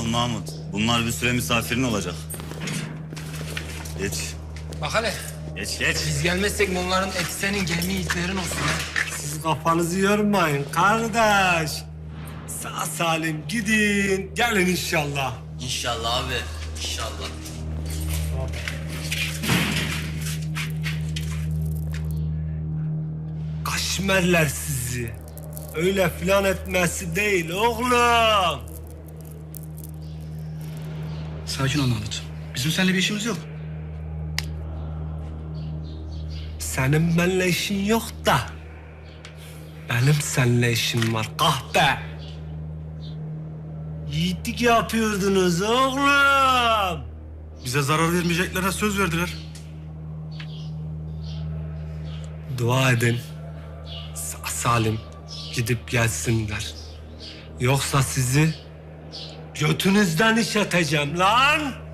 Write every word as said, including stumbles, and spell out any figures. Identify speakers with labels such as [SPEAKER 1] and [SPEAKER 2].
[SPEAKER 1] Al Mahmut. Bunlar bir süre misafirin olacak. Geç.
[SPEAKER 2] Bak hele,
[SPEAKER 1] Geç geç.
[SPEAKER 2] biz gelmezsek onların eti senin, gemi itlerin olsun ha.
[SPEAKER 3] Siz kafanızı yormayın kardeş. Sağ salim gidin. Gelin inşallah.
[SPEAKER 4] İnşallah abi, inşallah.
[SPEAKER 3] Kaşmerler sizi. Öyle filan etmesi değil oğlum.
[SPEAKER 5] Sakin ol Mahmut. Bizim seninle bir işimiz yok.
[SPEAKER 3] Senin benimle işin yok da. Benim seninle işim var kahpe. Yiğitlik yapıyordunuz oğlum.
[SPEAKER 5] Bize zarar vermeyeceklerine söz verdiler.
[SPEAKER 3] Dua edin. Sağ salim gidip gelsinler. Yoksa sizi götünüzden işleteceğim lan.